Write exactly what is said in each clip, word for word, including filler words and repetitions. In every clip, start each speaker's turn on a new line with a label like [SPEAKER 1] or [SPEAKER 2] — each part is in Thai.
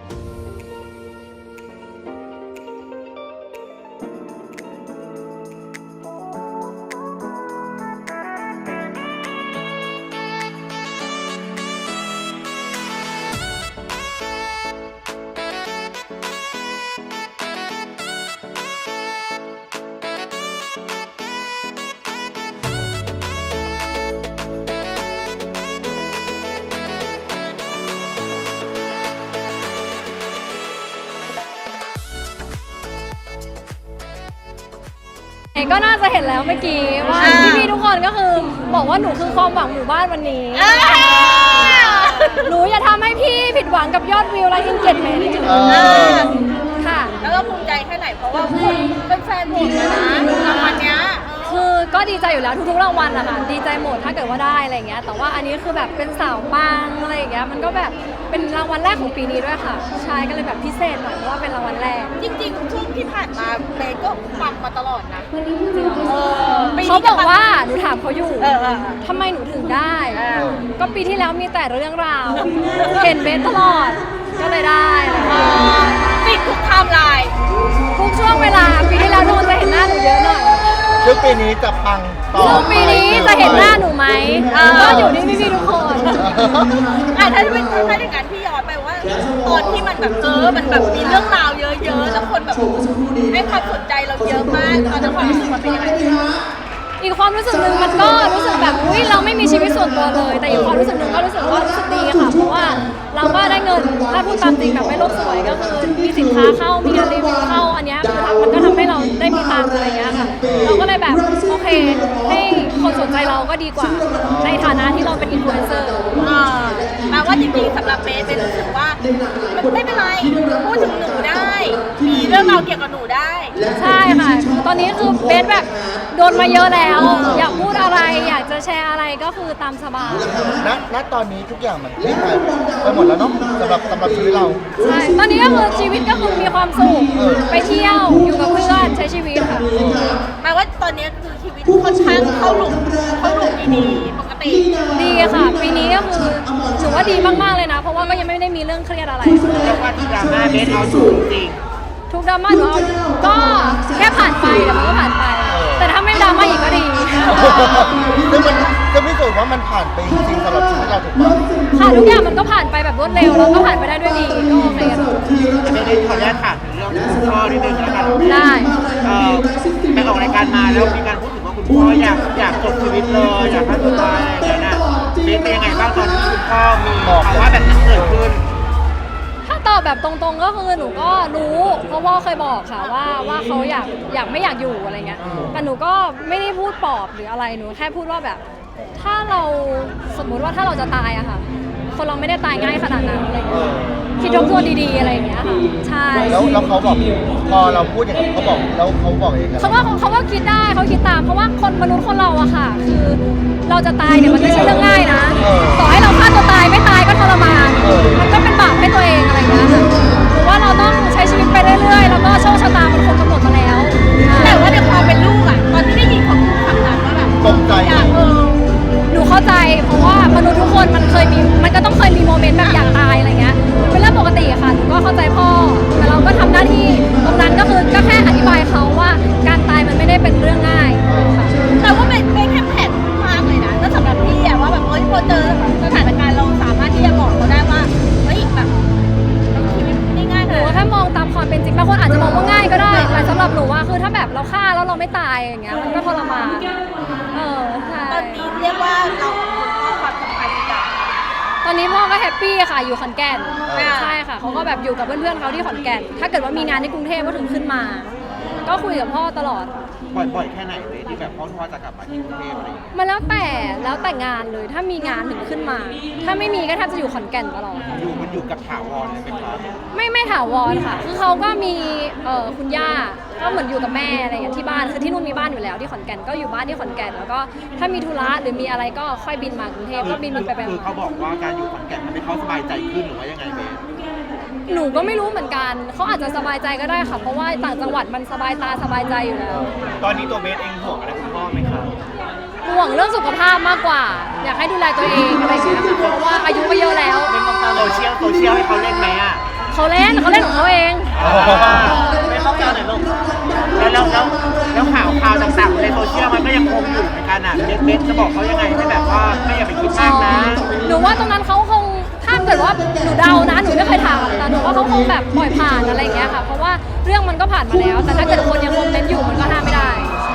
[SPEAKER 1] ก็น่าจะเห็นแล้วเมื่อกี้ว่าพี่ๆทุกคนก็คือบอกว่าหนูคือความหวังหมู่บ้านวันนี้หนูอย่าทำให้พี่ผิดหวังกับยอดวิวและ engagement ค่ะ
[SPEAKER 2] แล้วก็ภูมิใจแค่ไหนเพราะว่าคนเป็นแฟนหมดเลยนะรางวัลเนี้ย
[SPEAKER 1] คือก็ดีใจอยู่แล้วทุกๆรางวัลอะค่ะดีใจหมดถ้าเกิดว่าได้อะไรเงี้ยแต่ว่าอันนี้คือแบบเป็นสาวปังอะไรอย่างเงี้ยมันก็แบบเป็นรางวัลแรกของปีนี้ด้วยค่ะใช่ก็เลยแบบพิเศษหน่อยเพราะว่าเป็นรางวัลแรก
[SPEAKER 2] จริงๆช่วงที่ผ่านมาเบย์ก็ปังมาตลอดนะ
[SPEAKER 1] เขาบอกว่าหนูถามเขาอยู่ทำไมหนูถึงได้ก็ปีที่แล้วมีแต่เรื่องราวเห็นเบสตลอดก็เลยได้
[SPEAKER 2] ปิดทุกไทม์ไลน์
[SPEAKER 1] ทุกช่วงเวลาปีที่แล้วทุกคนจะเห็นหน้าหนูเยอะหน่อย
[SPEAKER 3] ซึ่งปีนี้จะปังต่อ
[SPEAKER 1] ปีนี้จะเห็นหน้าหนูไหมก็อยู่ที่พี่ๆทุกคน
[SPEAKER 2] อ่ะถ้าเป็นถ้าอย่างนั้นพี่ย้อนไปว่าตอนที่มันแบบเออมันแบบมีเรื่องราวเยอะๆแล้วคนแบบให้ความสนใจเราเยอะมากตอนนั้นความรู้สึกมันเป็นยังไง
[SPEAKER 1] อีกความรู้สึกหนึ่งมันก็รู้สึกแบบอุ้ยเราไม่มีชีวิตส่วนตัวเลยแต่อีกความรู้สึกหนึ่งก็รู้สึกว่ารู้สึกดีค่ะเพราะว่าเราก็ได้เงินถ้าพูดตามจริงแบบไม่โลกสวยก็คือมีสินค้าเข้ามีงานรีวิวเข้าอันนี้คือมันก็ทำให้เราได้มีตังค์อะไรอย่างเงี้ยค่ะเราก็เลยแบบโอเคให้คนสนใจเราก็ดีกว่าในฐานะที่เราเป็นอินฟลูเอนเซอร์
[SPEAKER 2] แปลว่าจริงๆสำหรับเบสเป็นรู้สึกว่าไม่เป็นไรพูดถึงหนูได้มีเรื่องราวเกี่ยวกับหนูได้
[SPEAKER 1] ใช่ค่ะตอนนี้คือเบสแบบโดนมาเยอะแล้วอยากพูดอะไรอยากจะแชร์อะไรก็คือตามสบาย
[SPEAKER 3] ณ ณ ตอนนี้ทุกอย่างมันคลี่คลายไปหมดแล้วเนาะสำหรับสำหรับชีวิตเรา
[SPEAKER 1] ใช่ตอนนี้ก็คือชีวิตก็คือมีความสุขไปเที่ยวอยู่กับเพื่อนใช้ชีวิตค่ะ
[SPEAKER 2] หมายว่าตอนนี้คือชีวิตค่อนข้างเข้าหลุมเข้าหลุมดีๆปกติ
[SPEAKER 1] ดีค่ะปีนี้ก็คือถือว่าดีมากๆเลยนะเพราะว่าก็ยังไม่ได้มีเรื่องเครียดอะไร
[SPEAKER 2] เรียกว่าทุกดราม่าเบสเอาสูงจริง
[SPEAKER 1] ทุกดราม่าหนูก็แค่ผ่านไปแต่มันก็ผ่านไปแต่ถ้าไม่ดราม่าอีกก็ดี
[SPEAKER 3] ซึ่งมันจะพิสูจน์ว่ามันผ่านไปจริงสำหรับชีวิตเราถูกป่ะ
[SPEAKER 1] ค่ะทุกอย่างมันก็ผ่านไปแบบรวดเร็วแล้วก็ผ่านไปได้ด้วยดีก็โอเคค่ะ
[SPEAKER 2] ไม่ได้ขออนุญาตถามถึงเรื่องคุณพ่อนิดนึงแล้วกัน
[SPEAKER 1] ได้
[SPEAKER 2] ไปออกรายการมาแล้วมีการพูดถึงว่าคุณพ่ออยากอยากจบชีวิตเลยอยากฆ่าตัวตายอะไรอย่างเงี้ยเบสเป็นยังไงบ้างตอนที่คุณพ่อมีภาวะแบบนั้นเกิดขึ้น
[SPEAKER 1] ถ้าตอบแบบตรงๆก็คือหนูก็รู้เพราะพ่อเคยบอกค่ะว่าว่าเขาอยากอยากไม่อยากอยู่อะไรเงี้ยแต่หนูก็ไม่ได้พูดปลอบหรืออะไรหนูแค่พูดว่าแบบถ้าเราสมมุติว่าถ้าเราจะตายอะค่ะคนเราไม่ได้ตายง่ายขนาดนั้นอะไรเงี้ยคิดทบทวนดีๆอะไรอย่างเงี้ยค่ะใช่
[SPEAKER 3] แล้วแล้วเขาบอกพอเราพูดอย่างนี้เขาบอกแล้วเขาบอกเอง
[SPEAKER 1] เขาว่าเขาว่าคิดได้เขาคิดตามเพราะว่าคนมนุษย์คนเราอะค่ะคือเราจะตายเนี่ยมันไม่ใช่เรื่องง่ายนะต่อให้เราฆ่าตัวตายไม่ตายก็ทรมานมันก็เป็นบาปให้ตัวเองอะไรเงี้ยค่ะหรือว่าเราต้องใช้ชีวิตไปเรื่อยๆแล้วก็โชคชะตามันคงกำหนดมาแล้ว
[SPEAKER 2] แต่ว่าในความเป็นลูกอะตอนที่ได้ยินเขาพูดคำนั้นว่าแบบ
[SPEAKER 3] ตกใจ
[SPEAKER 2] เออ
[SPEAKER 1] หนูเข้าใจเพราะว่ามนุษย์ทุกคนมันเคยมีมันก็ต้องเคยมีโมเมนต์แบบอยากตายอะไรเงี้ยเป็นเรื่องปกติค่ะหนูก็เข้าใจพ่อแต่เราก็ทำหน้าที่ตรงนั้นก็คือก็แค่อธิบายเขาว่าการตายมันไม่ได้เป็นเรื่องง่ายค่ะ
[SPEAKER 2] แต่ว่าเป็นเป็นแค่แผนมากเลยนะแล้วสำหรับพี่อะว่าแบบเอ้ยพอเจอสถานการณ์เราสามารถที่จะบอกเขาได้ว่าเฮ้ยแบบชีวิตไม่ง่าย
[SPEAKER 1] หนูแค่มองตามความเป็นจริงบางคนอาจจะมองว่าง่ายก็ได้แต่สำหรับหนูว่าคือถ้าแบบเราฆ่าแล้วเราไม่ตายอย่างเงี้ยมันก็ทรมานเออใช่
[SPEAKER 2] ตอนนี้เรียกว่าเราความสัมพันธ์กัน
[SPEAKER 1] ตอนนี้พ่อก็แฮปปี้ค่ะอยู่ขอนแก่นใช่ค่ะเขาก็แบบอยู่กับเพื่อนๆเขาที่ขอนแก่นถ้าเกิดว่ามีงานที่กรุงเทพก็ถึงขึ้นมาก็คุยกับพ่อตลอด
[SPEAKER 2] บ่อยๆแค่ไหนเลยที่แบบพ่อพ่อจะกลับมาที่กรุงเทพอะไรอย่างเงี้ย
[SPEAKER 1] มันแล้วแต่แล้วแต่งานเลยถ้ามีงานถึงขึ้นมาถ้าไม่มีก็แทบจะอยู่ขอนแก่นตลอด
[SPEAKER 2] อยู่มันอยู่กับถาวรเลยไหมครับ
[SPEAKER 1] ไม่ไม่ถาวรค่ะคือเขาก็มีเอ่อคุณย่าก็เหมือนอยู่กับแม่อะไรอย่างที่บ้านคือที่นู่นมีบ้านอยู่แล้วที่ขอนแก่นก็อยู่บ้านที่ขอนแก่นแล้วก็ถ้ามีธุระหรือมีอะไรก็ค่อยบินมากรุงเทพก็บินบินไปไป
[SPEAKER 2] คือเขาบอกว่าการอยู่ขอนแก่นทำให้เขาสบายใจขึ้นหรือว่ายังไงเบส
[SPEAKER 1] หนูก็ไม่รู้เหมือนกันเขาอาจจะสบายใจก็ได้ค่ะเพราะว่าต่างจังหวัดมันสบายตาสบายใจอยู่แล้ว
[SPEAKER 2] ตอนนี้ตัวเบสเองห่วงอะไรคุณพ่อไหมครับ
[SPEAKER 1] ห่วงเรื่องสุขภาพมากกว่าอยากให้ดูแลตัวเองอะไรอย่างเงี้ยค่ะเพราะว่าอายุก็เยอะแล้ว
[SPEAKER 2] โซเชียลโซเชียลให้เขาเล่นไหมอ่ะ
[SPEAKER 1] เขาเขาเล่นเขาเล่นของเขาเอง
[SPEAKER 2] ไม่เข้าใจหน่อยลูกแล้วแล้วแล้วแล้วข่าวข่าวต่างๆในโซเชียลมันก็ยังคงอยู่เหมือนกันอ่ะเบสเบสจะบอกเขายังไงให้แบบว่าไม่อย่าไปคิดมากนะ
[SPEAKER 1] หนูว่าตรงนั้นเขาคงถ้าเกิดว่าหนูเดานะหนูไม่เคยถามแต่หนูว่าเขาคงแบบปล่อยผ่านอะไรอย่างเงี้ยค่ะเพราะว่าเรื่องมันก็ผ่านมาแล้ว แต่ถ้าเกิดคนยังคอมเมนต์อยู่มันก็ห้ามไม่ได้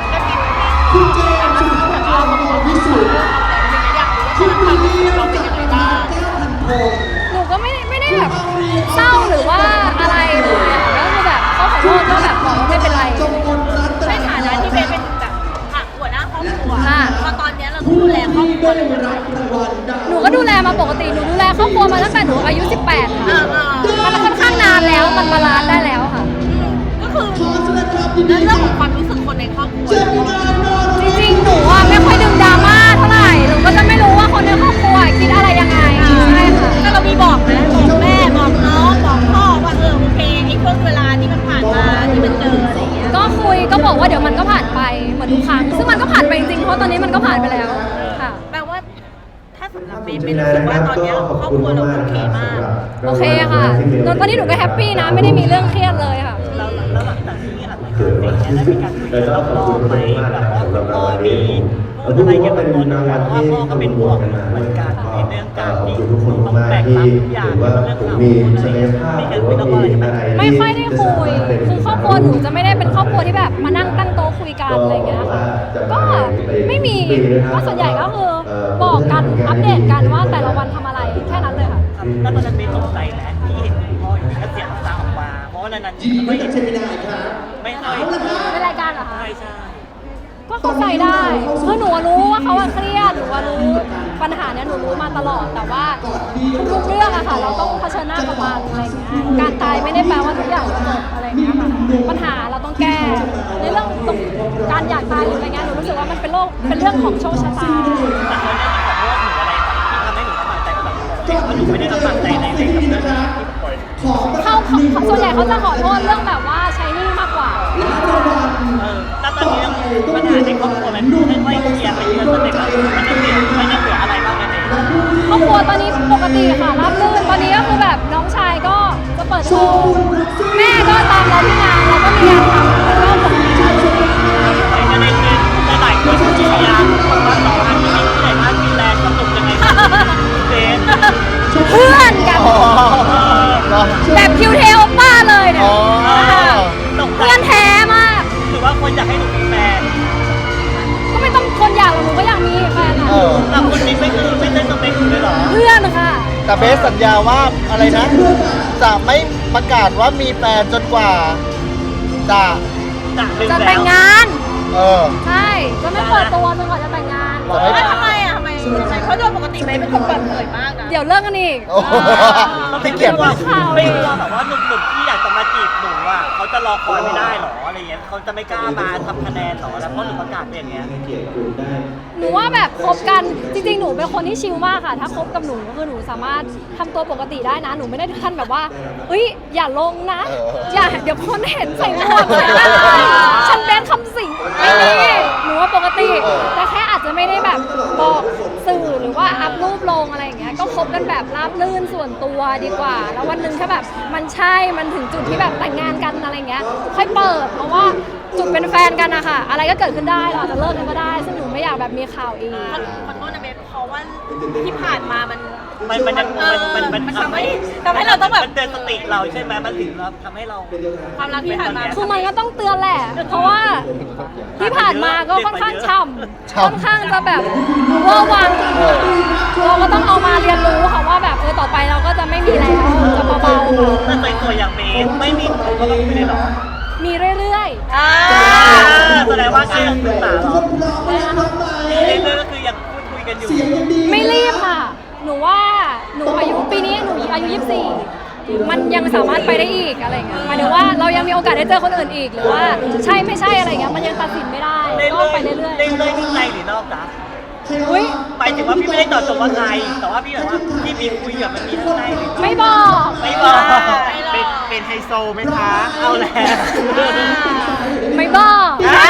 [SPEAKER 1] หนูก็ไม่ได้ไม่ได้แบบเศร้าหรือว่าอะไรเลยอะค่ะก็คือแบบเขาขอโทษก็แบบบอกว่าไม่เป็นไร
[SPEAKER 4] ในฐานะที่เบสเป็นแบบอ่ะหัวหน้าครอบครัว
[SPEAKER 1] ค่ะ
[SPEAKER 4] พอตอนเนี้ยเราต้องดูแลครอบครัวเลยนะ
[SPEAKER 1] หนูก็ดูแลมาปกติหนูดูแลครอบครัวมาตั้งแต่หนูอายุสิบแปดค่ะ มันค่อนข้างนานแล้วมันบาลานซ์ได้แล้วค่ะ
[SPEAKER 4] ก็คือเรื่องของความรู้สึกคนในครอบครัว
[SPEAKER 1] จริงๆ หนูอ่ะไม่ค่อยดึงดราม่าเท่าไหร่ หนูก็จะไม่รู้ว่าคนในครอบครัวคิดอะไรยังไง ใช่ค่ะ
[SPEAKER 4] ก็เรามีบอกนะบอกแม่บอกน้องบอกพ่อว่าเออโอเคไอ้ช่วงเวลาที่มันผ่านมาที่มันเจออะไรอย่างเงี้ย
[SPEAKER 1] ก็คุยก็บอกว่าเดี๋ยวมันก็ผ่านไปเหมือนทุกครั้ง ซึ่งมันก็ผ่านไปจริงๆ เพราะตอนนี้มันก็ผ่านไปแล้วค่ะ
[SPEAKER 4] แปลว่าถ้าสำหรับเบสเป็นรู้สึกว่าตอนเนี้ยครอบครัวเราโอเคมาก
[SPEAKER 1] โอเคค่ะตอนนี้หนูก็แฮปปี้นะ ไม่ได้มีเรื่องเครียดเลยค่ะ
[SPEAKER 5] แล้วแล้วหลังจากที่อัดรายการเสร็จเนี่ยได้มีการคุยกันรอบๆไหมแบบว่าคุณพ่อมีพูดอะไรเกี่ยวกับตัวหนูเพราะว่าพ่อก็เป็นห่วงเหมือนกันในเรื่องการที่ต้องแบกรับทุกอย่างเรื่องข่าวมีการคุยแล้วก็อะไรจะแบบ
[SPEAKER 1] ไม่ค่อยได้คุย คือครอบครัวหนูจะไม่ได้เป็นครอบครัวที่แบบมานั่งตั้งโต๊ะคุยกันอะไรอย่างเงี้ยค่ะ ก็ไม่มี ก็ส่วนใหญ่ก็คือบอกกันอัปเดตกันว่าแต่ละวันทำอะไรแค่นั้นเลยค่ะ
[SPEAKER 5] แล้วตอนนั้นเบสตกใจไหมที่เห็นคุณพ่ออยู่ก็เสียงน้ำตาออกมาเพราะว่านานๆไม่เห็นไม่ค่อย
[SPEAKER 1] ในรายการเหรอคะ
[SPEAKER 5] ใช่ใช่
[SPEAKER 1] ก็เข้าใจได้คือหนูรู้ว่าเขาอะเครียดหนูว่ารู้ปัญหาเนี้ยหนูรู้มาตลอด แต่ว่าทุกๆเรื่องอะค่ะ เราต้องเผชิญหน้ากับมันอะไรอย่างเงี้ย การตายไม่ได้แปลว่าทุกอย่างจะจบอะไรอย่างเงี้ยค่ะ ปัญหาเราต้องแก้ ในเรื่องตรงการอยากตายหรืออะไรเงี้ย หนูรู้สึกว่ามันเป็นโรคเป็นเรื่องของโชคชะตา
[SPEAKER 5] แต่เขาเนี่ยขอโทษหนูอะไรที่ทำให้หนูลำบากใจก็แบบว่าหนูไม่ได้ลำบากใจในในกับเรื่องนี้ที่ปล่อย
[SPEAKER 1] เขาเขาส่วนใหญ่เขาจะขอโทษเรื่องแบบว่าใช้หนี้มากกว่า
[SPEAKER 5] เออแล้วตอนนี้ปัญหาในครอบครัวมันค่อยๆเคลียร์ไปเรื่อยๆสเต็ปแล้วมันยังเหลือมันยังเหลืออะไรบ้างไหมเนี่ย
[SPEAKER 1] ครอบครัวตอนนี้ปกติค่ะรับรื่นตอนนี้ก็คือแบบน้องชายก็จะเปิดโชว์แม่ก็ตามเราที่งานเราก็มีงานทำแล้วก็ปกติ
[SPEAKER 5] ในประเด็นนี้หลายคนที่พยายามบอกว่าต่อให้ที่ไหนมากที่แรงก็ตกยังไงก็เซน
[SPEAKER 1] เพื่อนกันแบบคิวเทลป้าเลยเนี่ย
[SPEAKER 5] ตก
[SPEAKER 1] เพื่อนแท้มาก
[SPEAKER 5] หรือว่าคนอยากให้หนูมีแฟน
[SPEAKER 1] ก็ไม่ต้องคนอยากหรอกหนูก็อยากมีแฟนอะ
[SPEAKER 3] เออ
[SPEAKER 5] แต่คนนี้ไม่คือไม่ใช่สเปคหนูเลยเหรอ
[SPEAKER 1] เพื่อนค่ะ
[SPEAKER 3] แต่เบสสัญญาว่าอะไรนะ จะไม่ประกาศว่ามีแฟนจนกว่าจะ
[SPEAKER 5] จะเป็น
[SPEAKER 1] จะ
[SPEAKER 5] แล้
[SPEAKER 1] แต่ง
[SPEAKER 5] ว
[SPEAKER 1] งาน
[SPEAKER 3] เออ
[SPEAKER 1] ใช่จะไม่เปิดตัวจนกว่าจะแต่งงาน
[SPEAKER 3] จะไม่
[SPEAKER 4] แล้วทำไมอ่ะทำไมทำไมเพราะโดยปกติเบสเป็นคนเปิดเผยมากนะ
[SPEAKER 1] เดี๋ยวเลิกกันอีก
[SPEAKER 3] โอ้โห
[SPEAKER 5] ไม่
[SPEAKER 3] พี่
[SPEAKER 5] เกี
[SPEAKER 3] เกี
[SPEAKER 5] ย
[SPEAKER 3] ย
[SPEAKER 5] ด
[SPEAKER 3] ร
[SPEAKER 5] ว่า
[SPEAKER 3] ติ
[SPEAKER 5] ไม่กลัวแบบว่าหนุ่มๆที่อยากจะมาจีบหนูอ่ะเขาจะรอคอยไม่ได้หรออะไรเงี้ยเขาจะไม่กล้ามาทำคะแนนหรอแล้วเพราะหนูประกาศอย่างเงี้ย
[SPEAKER 1] หนูว่าแบบคบกันจริงๆ หนูเป็นคนที่ชิลมากค่ะ ถ้าคบกับหนูก็คือหนูสามารถทำตัวปกติได้นะ หนูไม่ได้ถึงขั้นแบบว่าเอ้ยอย่าลงนะ
[SPEAKER 3] เออ
[SPEAKER 1] อย่าเดี๋ยวคนเห็นใส่หมวกใส่หน้าฉันเป็นคำสิงไม่มีหนูว่าปกติ แต่แค่อาจจะไม่ได้แบบบอกสื่อหรือว่าอัพรูปลงอะไรอย่างเงี้ยก็คบกันแบบราบรื่นส่วนตัวดีกว่า แล้ววันหนึ่งถ้าแบบมันใช่มันถึงจุดที่แบบแต่งงานกันอะไรเงี้ยค่อยเปิดเพราะว่าจุดเป็นแฟนกันอะค่ะอะไรก็เกิดขึ้นได้เราอาจจะเลิกกันก็ได้ซึ่งหนูไม่อยากแบบมีข่าวอีก
[SPEAKER 4] ขอโทษนะเบสเพราะว่าที่ผ่านมามัน
[SPEAKER 5] มันมันยังมันมันมัน
[SPEAKER 4] มันทำให้ทำให้เราต้องแบบ
[SPEAKER 5] มันเตือนสติเราใช่ไหมมันถึงเราทำให้เรา
[SPEAKER 4] ความรักที่ผ่านมา
[SPEAKER 1] คือมันก็ต้องเตือนแหละ เพราะว่าที่ผ่านมาก็ค่อนข้างช่ำ
[SPEAKER 3] ช่ำ
[SPEAKER 1] ค่อนข้างจะแบบเวอร์วังเราก็ต้องเอามาเรียนรู้ค่ะว่าแบบเออต่อไปเราก็จะไม่มีแล้วจะเบาๆค่ะ
[SPEAKER 5] แต่ตัวอย่างเบสไม่มีคนก็ต้องคุยเลยหรอ
[SPEAKER 1] มีเรื่อย
[SPEAKER 4] อ่า
[SPEAKER 5] แสดงว่าก็ยังศึกษาหรอ
[SPEAKER 1] ๆ
[SPEAKER 5] เรื่อยๆก็คือยังพูดคุยกันอยู่
[SPEAKER 1] ไม่รีบค่ะ หนูว่าหนูอายุปีนี้หนูอายุยี่สิบสี่มันยังสามารถไปได้อีกอะไรเงี้ยหมายถึงว่าเรายังมีโอกาสได้เจอคนอื่นอีกหรือว่าใช่ไม่ใช่อะไรเงี้ยมันยังตัดสินไม่ได้
[SPEAKER 5] เรื่อย
[SPEAKER 1] ก็
[SPEAKER 5] ๆ
[SPEAKER 1] ไปเรื่อย
[SPEAKER 5] เรื่อยๆที่ในหรือนอกจ๊ะ
[SPEAKER 1] ๆอุ้ย
[SPEAKER 5] ไปถึงว่าพี่ไม่ได้เจอดจงว่าใครแต่ว่าพี่แบบว่าพี่มีคุยกับมันมีข้างในหรือ
[SPEAKER 1] ไม่บอก
[SPEAKER 5] ไม่บอก
[SPEAKER 2] เป็นเป็นไฮโซไหมคะ
[SPEAKER 5] เอาแล้ว
[SPEAKER 1] ไม่บอก
[SPEAKER 5] อ้าว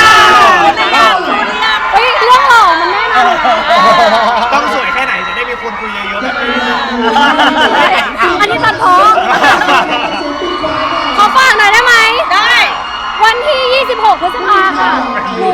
[SPEAKER 1] เฮ้ยเรื่องหล่อมันแน่นอน
[SPEAKER 2] ต้องสวยแค่ไหนจะได้มีคนคุยเยอะๆแบบนี้
[SPEAKER 1] อันนี้ตัดพ้อ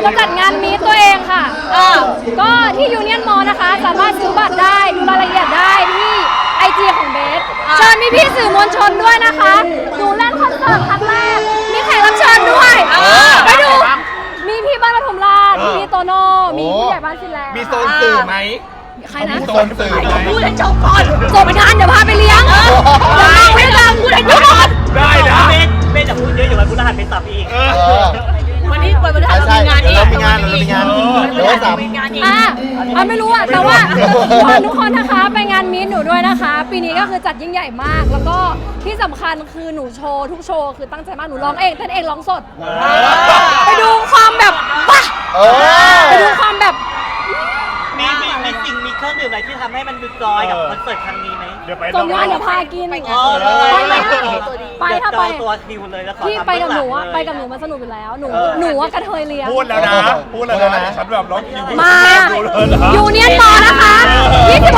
[SPEAKER 1] จะจัดงานมีตตัวเองค่ะเออก็ที่ยูเนียนมอลนะคะ สามารถซื้อบัตรได้ดูรายละเอียดได้ที่ไอจีของเบสเชิญพี่พี่ๆสื่อมวลชนด้วยนะคะดูเล่นคอนเสิร์ตครั้งแรกมีแขกรับเชิญด้วยไปดูมีพี่บ้านปทุมราชมีโตโน่มีผู้ใหญ่บ้านฟินแลนด์
[SPEAKER 2] มีโซนสื่อไหม
[SPEAKER 1] ใครนะ
[SPEAKER 2] โซนสื่อไหม
[SPEAKER 4] พูดให้จบก่อน
[SPEAKER 1] จบไปทานเดี๋ยวพาไปเลี้ยงเดี๋ยวนั่งไม่ได้พูดให้จบก่อน
[SPEAKER 2] ได้นะ
[SPEAKER 6] เบสเบสจะพูดเยอะอยู่วันพุธหัสเป็นสับอีก
[SPEAKER 2] เออ
[SPEAKER 3] เออ
[SPEAKER 4] วันนี้วันพฤหัสเรา
[SPEAKER 3] ใช่
[SPEAKER 4] มีงาน
[SPEAKER 3] เดี๋ยว
[SPEAKER 4] อีก
[SPEAKER 3] เรามีงานเรามีงานเดี๋ยววันเสาร์
[SPEAKER 4] มีงานอีก
[SPEAKER 1] อ่ะอ่ะไม่รู้อ่ะแต่ว่าขอทุกคนนะคะไปงานมีตหนูด้วยนะคะ ปีนี้ก็คือจัดยิ่งใหญ่มาก แล้วก็ที่สำคัญคือหนูโชว์ทุกโชว์คือตั้งใจมากหนูร้องเองเต้นเองร้องสด ไปดูความแบบว้า
[SPEAKER 3] เออ
[SPEAKER 1] ไปดูความแบบ
[SPEAKER 6] มีมีมีสิ่งมีเครื่องดื่มอะไรที่ทำให้มันดูจอยกับคอนเสิร์ตครั้งนี้ไหม
[SPEAKER 2] เดี๋ยวไป
[SPEAKER 1] จบงานเดี๋ยวพากิน
[SPEAKER 6] เออเลย
[SPEAKER 1] ไปไหมไปถ้าไป
[SPEAKER 6] จองตัวคิวเลยแล้วขอ
[SPEAKER 1] พี่
[SPEAKER 6] ทำ
[SPEAKER 1] ไปกับหนู
[SPEAKER 6] เบื้
[SPEAKER 1] อ่ะ
[SPEAKER 6] องลังเลย
[SPEAKER 1] ไปกับหนูมันสนุกอยู่แล้วหนูหนูว่ากระเทยเลี้ยง
[SPEAKER 2] พูดแล้วนะ พูดแล้วนะฉันแบบร้องคิว
[SPEAKER 1] มา
[SPEAKER 2] ดูเลยนะ
[SPEAKER 1] ยูเนียนมอลนะคะยี่สิบ